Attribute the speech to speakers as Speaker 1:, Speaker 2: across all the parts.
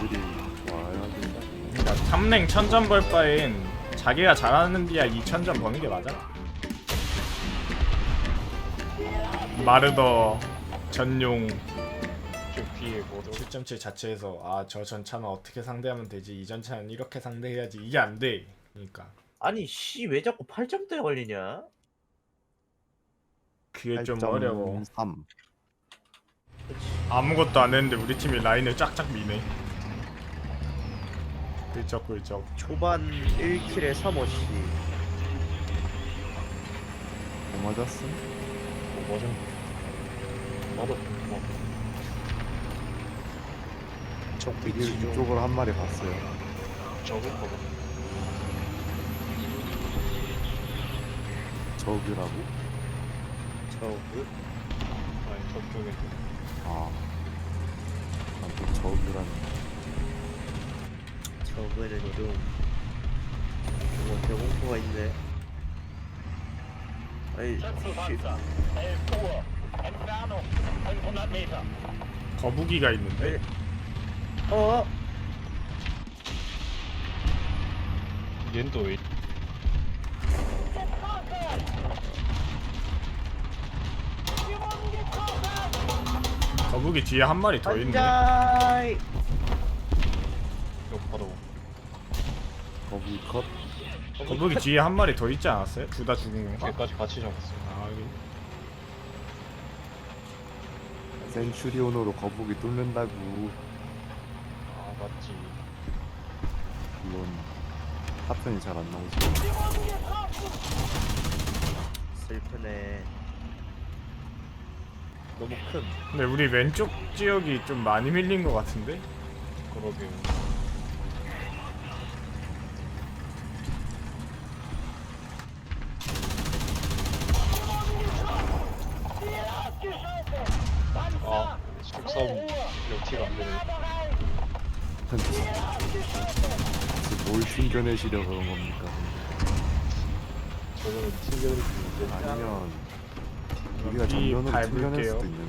Speaker 1: 애들이 와야 된다.
Speaker 2: 그러니까 탐랭 1000점 벌 바엔 자기가 잘하는 데야 2000점 버는 게 맞아. 마르더 전용
Speaker 3: 좀 뒤에 뭐도
Speaker 2: 7.7 자체에서 아 저 전차는 어떻게 상대하면 되지, 이 전차는 이렇게 상대해야지, 이게 안 돼. 그러니까
Speaker 4: 아니 씨 왜 자꾸 8점대 걸리냐?
Speaker 2: 그게 좀 어려워.
Speaker 1: 8.3.
Speaker 2: 아무것도 안 했는데 우리 팀이 라인을 쫙쫙 미네. 꿀쩍꿀쩍.
Speaker 4: 초반 1킬에 3호씨.
Speaker 1: 뭐 맞았음?
Speaker 3: 뭐죠? 나도 뭐
Speaker 1: 이쪽으로 한 마리 갔어요.
Speaker 3: 적을 거고
Speaker 1: 저기라고?
Speaker 4: 저그?
Speaker 3: 아니 저쪽에
Speaker 1: 아, 난또 저기라는.
Speaker 4: 저그는 좀 뭔가 배공포가 있네. 아이 씨.
Speaker 2: 거북이가 있는데.
Speaker 4: 어?
Speaker 3: 얜 또 왜?
Speaker 2: 거북이 뒤에 한 마리 더 있네.
Speaker 4: 반자이.
Speaker 3: 이거 바로
Speaker 1: 거기 컷.
Speaker 2: 거북이 뒤에 한 마리 더 있지 않았어요? 둘 다 죽은 건가?
Speaker 3: 걔까지 같이 잡았어.
Speaker 2: 아 여기.
Speaker 1: 센츄리온으로 거북이 뚫는다고.
Speaker 3: 아 맞지.
Speaker 1: 물론 하편이 잘 안 나오지.
Speaker 4: 슬프네. 너무 큰.
Speaker 2: 근데 우리 왼쪽 지역이 좀 많이 밀린 것 같은데?
Speaker 3: 그러게. 아 속싸움 역티가 안 되네.
Speaker 1: 뭘 튕겨내시려 그런 겁니까?
Speaker 3: 저거는 튕겨낼 수 있는데.
Speaker 1: 아니면 우리가
Speaker 2: 여기
Speaker 1: 정면으로 튕겨낼
Speaker 2: 밟을게요.
Speaker 1: 수도 있는.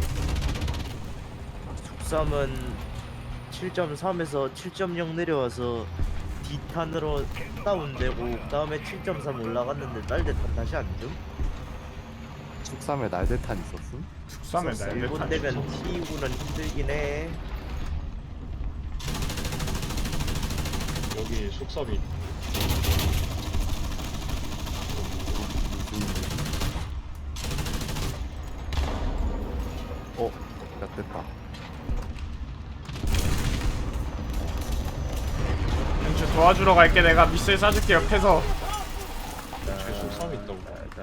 Speaker 4: 죽삼은 7.3에서 7.0 내려와서 D탄으로 다운되고 그 다음에 7.3 올라갔는데 딸대탄 다시 안 줌?
Speaker 1: 축삼에 날대탄 있었음?
Speaker 2: 축삼에
Speaker 4: 일본
Speaker 2: 날개탄.
Speaker 4: 되면 T9는 힘들긴 해.
Speaker 3: 여기 속싸움이
Speaker 1: 야 됐다.
Speaker 2: 왼쪽 도와주러 갈게. 내가 미스를 쏴줄게 옆에서.
Speaker 3: 뒤에 속싸움이 있다고.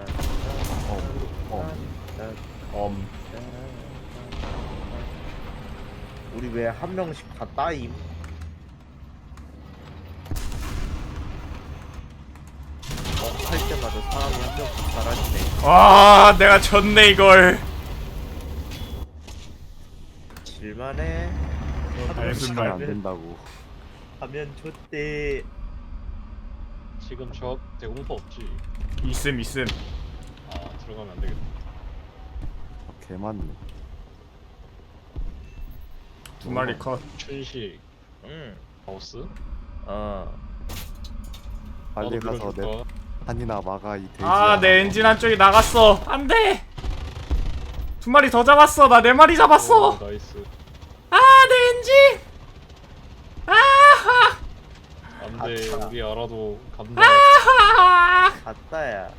Speaker 4: 우리 왜 한 명씩 다 따임? 할 때마다 사람이 한 명씩 사라지네.
Speaker 2: 와 내가 졌네 이걸.
Speaker 4: 질만해.
Speaker 2: 무슨
Speaker 1: 안
Speaker 2: 말.
Speaker 1: 된다고.
Speaker 4: 하면 좋대.
Speaker 3: 지금 저 대공포 없지.
Speaker 2: 있음.
Speaker 3: 아 들어가면 안 되겠다.
Speaker 1: 개 많네.
Speaker 2: 두 마리 컷.
Speaker 3: 춘식
Speaker 4: 응.
Speaker 3: 하우스.
Speaker 1: 빨리
Speaker 3: 나도
Speaker 1: 가서 내
Speaker 3: 밀어줄까?
Speaker 1: 한이나 막아 이 돼지.
Speaker 2: 아 내 엔진 한쪽이 나갔어. 안돼. 두 마리 더 잡았어. 나 네 마리 잡았어.
Speaker 3: 오, 나이스.
Speaker 2: 아 내 엔진. 아하.
Speaker 3: 안돼
Speaker 4: 아차.
Speaker 3: 우리 알아도 간다.
Speaker 2: 아하.
Speaker 4: 갔다야.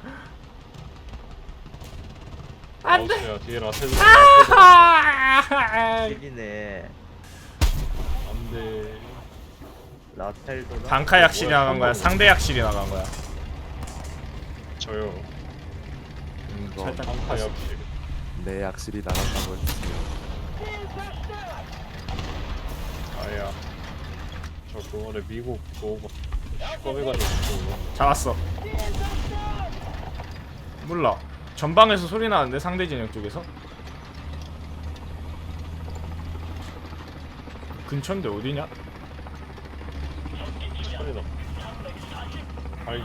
Speaker 2: 안돼.
Speaker 3: 하우스야 뒤에 라텔.
Speaker 2: 아하.
Speaker 4: 길이네.
Speaker 3: 안돼.
Speaker 4: 라텔도
Speaker 2: 단카 약실이
Speaker 3: 뭐야,
Speaker 2: 나간 거야?
Speaker 3: 한
Speaker 2: 상대 약실이 나간 거야?
Speaker 3: 저요.
Speaker 1: 이거
Speaker 2: 살짝
Speaker 3: 한파 역시.
Speaker 1: 내 약실이 나갔다고 했으면
Speaker 3: 아야. 저 그거를 미국 그거 꺼내가지고
Speaker 2: 잡았어. 몰라. 전방에서 소리 나는데 상대 진영 쪽에서? 근처인데 어디냐?
Speaker 3: 소리다. 아이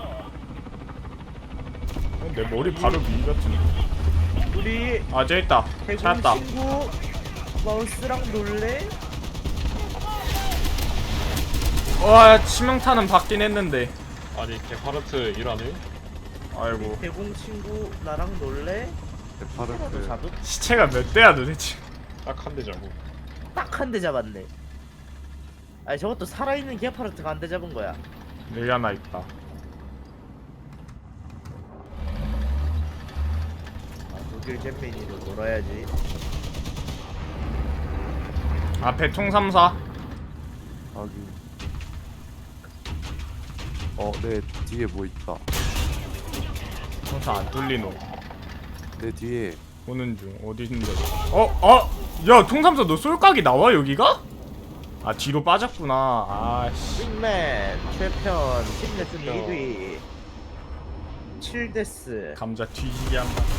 Speaker 2: 내 머리 바로 위 같은데.
Speaker 4: 우리
Speaker 2: 아 저기 있다.
Speaker 4: 대공
Speaker 2: 찾았다.
Speaker 4: 친구 마우스랑 놀래?
Speaker 2: 와 치명타는 받긴 했는데.
Speaker 3: 아니 개파르트 일 안 해?
Speaker 2: 아이고
Speaker 4: 대공 친구 나랑 놀래?
Speaker 1: 대파르트
Speaker 4: 하나도 잡음?
Speaker 2: 시체가 몇 대야 도대체.
Speaker 3: 딱 한 대 잡고.
Speaker 4: 딱 한 대 잡았네. 아니 저것도 살아있는 게파르트가 한 대 잡은 거야.
Speaker 2: 여기 하나 있다.
Speaker 4: 아, 독일 잼민이로 놀아야지.
Speaker 2: 앞에 통삼사.
Speaker 1: 하긴. 내 뒤에 뭐 있다.
Speaker 2: 통사 안 뚫리노.
Speaker 1: 내 뒤에
Speaker 2: 오는 중. 어디 있는데? 야 통삼사 너 쏠각이 나와 여기가? 아 뒤로 빠졌구나. 아씨.
Speaker 4: 빅맨 최편 10레슨 1위 7데스.
Speaker 2: 감자 뒤지게 한 번.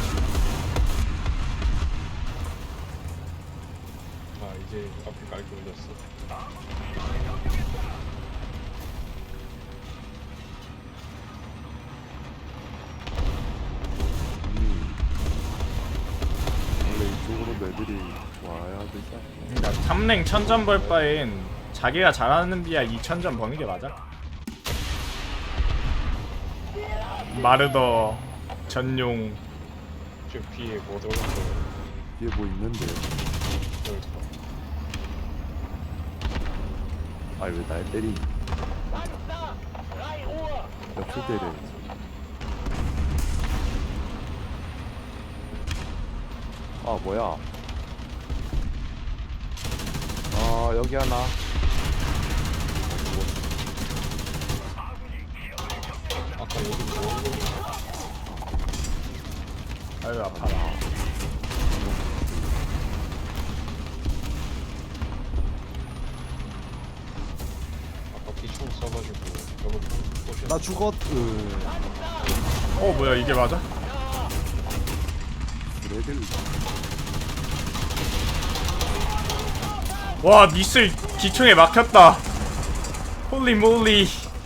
Speaker 3: 아 이제 앞에 깔게 올렸어.
Speaker 1: 원래 이쪽으로 애들이 와야 되지 않나?
Speaker 2: 그러니까 탐랭 1000점 벌 바엔 자기가 잘하는 비야 2000점 버는 게 맞아. 마르더 전용.
Speaker 3: 지금 뒤에 뭐 들어갔어요?
Speaker 1: 뒤에 뭐 있는데요?
Speaker 3: 여기 있어.
Speaker 1: 아니 왜 날 때리니? 옆을 때려야지. 아 뭐야? 아 여기 하나.
Speaker 3: 아까 여기 뭐
Speaker 2: 아유 아파라.
Speaker 3: 아까 비총 써가지고 저거 좀
Speaker 1: 나 죽었.
Speaker 2: 뭐야 이게 맞아?
Speaker 1: 레벨.
Speaker 2: 와 미슬 기총에 막혔다. 홀리 몰리.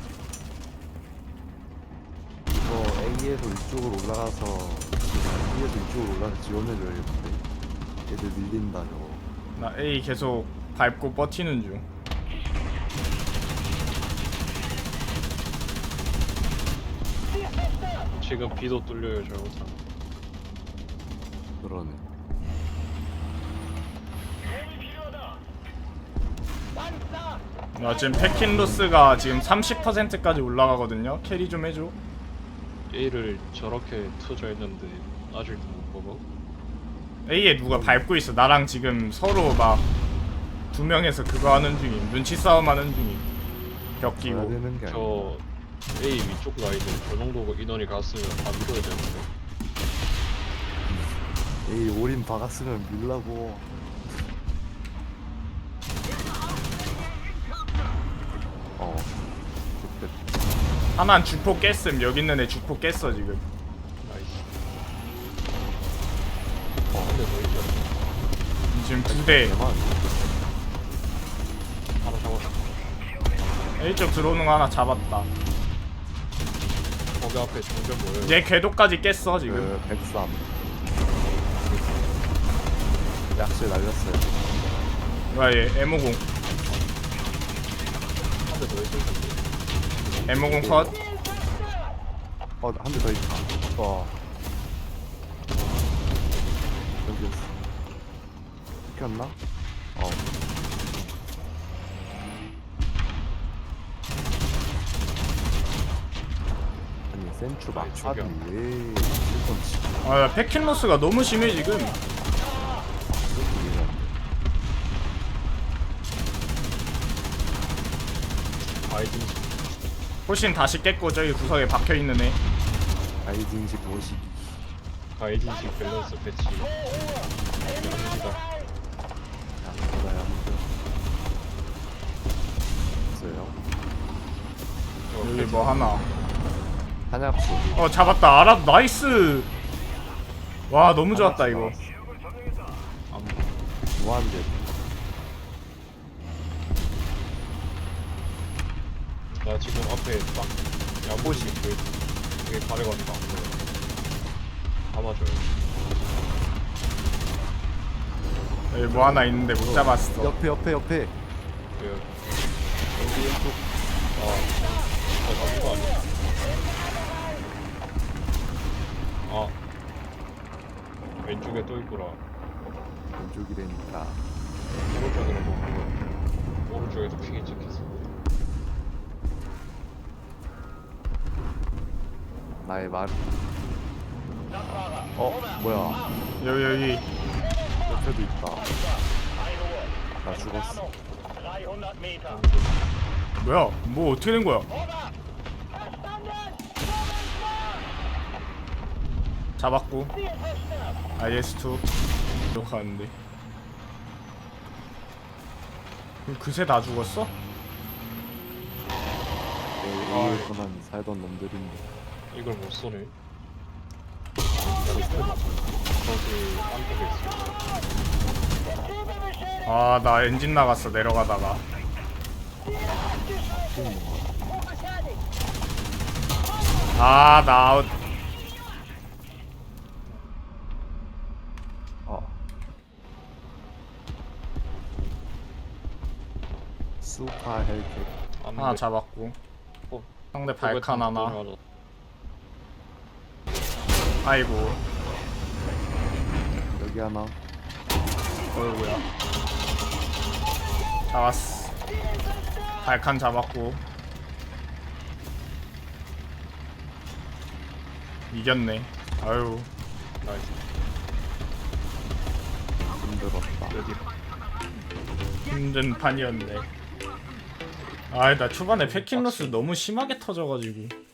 Speaker 1: 이거 A에서 이쪽으로 올라가서 B에서 이쪽으로 올라가서 지원해줘야겠는데. 애들 밀린다 저거.
Speaker 2: 나 A 계속 밟고 버티는 중.
Speaker 3: 지금 비도 뚫려요 잘못하면.
Speaker 1: 그러네.
Speaker 2: 나 지금 패킨로스가 지금 30%까지 올라가거든요. 캐리 좀 해줘.
Speaker 3: A를 저렇게 투자 했는데 아직도 못 먹어?
Speaker 2: A에 누가 밟고 있어. 나랑 지금 서로 막 두 명에서 그거 하는 중임. 눈치 싸움 하는 중임. 벽
Speaker 1: 해야
Speaker 2: 끼고.
Speaker 1: 되는 게 아니야.
Speaker 3: 저 A 위쪽 라인에 저 정도 인원이 갔으면 다 밀어야 되는데.
Speaker 1: A 올인 박았으면 밀라고. 좋겠다.
Speaker 2: 하나는 주포 깼음. 여기 있는 애 주포 깼어 지금.
Speaker 3: 나이스. 한대 더 있죠.
Speaker 2: 지금 2대.
Speaker 1: 대만.
Speaker 3: 하나 잡았어.
Speaker 2: A쪽 들어오는 거 하나 잡았다.
Speaker 3: 거기 앞에 정전 뭐예요?
Speaker 2: 얘 궤도까지 깼어 지금.
Speaker 1: 그 103. 약실 날렸어요.
Speaker 2: 뭐야 얘 M50.
Speaker 3: 한 대 더 있을 텐데.
Speaker 2: M50 컷.
Speaker 1: 한 대 더 있다. 여기였어. 시켰나? 아니 센추 막차비 왜 일본 치고
Speaker 2: 아 패킨로스가 너무 심해 지금.
Speaker 1: 이렇게 얘기하는데.
Speaker 3: 아이딘
Speaker 2: 훨씬 다시 깼고 저기 구석에 박혀있는 애.
Speaker 1: 아이딩식 모시기.
Speaker 3: 아이딘식 밸런스 패치. 양지다.
Speaker 1: 양보다 양보. 있어요.
Speaker 2: 여기 뭐 하나.
Speaker 1: 한약수.
Speaker 2: 잡았다. 알아 나이스. 와 너무 좋았다 이거.
Speaker 1: 무한대.
Speaker 3: 나 지금 앞에 딱 야보시 되게 가려가지고 안 보여. 다 맞아요.
Speaker 2: 여기 뭐 하나 있는데 못 잡았어.
Speaker 1: 옆에
Speaker 3: 그
Speaker 1: 여기 왼쪽.
Speaker 3: 잡은 거 아니야? 아 왼쪽에 또 있구나.
Speaker 1: 왼쪽이라니까.
Speaker 3: 오른쪽으로 보고 오른쪽에도 핑이 찍혔어.
Speaker 1: 나의 말. 뭐야?
Speaker 2: 여기
Speaker 1: 옆에도 있다. 나 죽었어.
Speaker 2: 뭐야? 뭐 어떻게 된 거야? 잡았고 IS2 들어가는데 그새 다 죽었어?
Speaker 1: 내 A에서만 살던 놈들인데.
Speaker 3: 이걸 못 쏘네. 저기 안쪽에 있어.
Speaker 2: 아 나 엔진 나갔어 내려가다가. 아 나 아웃.
Speaker 1: 수파 헬켓.
Speaker 2: 하나 잡았고
Speaker 3: 어,
Speaker 2: 상대 발칸 하나.
Speaker 3: 맞아.
Speaker 2: 아이고
Speaker 1: 여기 하나.
Speaker 2: 어이구야. 잡았어. 발칸 잡았고 이겼네. 아유
Speaker 3: 나이스.
Speaker 1: 힘들었다.
Speaker 3: 여기
Speaker 2: 힘든 판이었네. 아 나 초반에 패킹로스 너무 심하게 터져가지고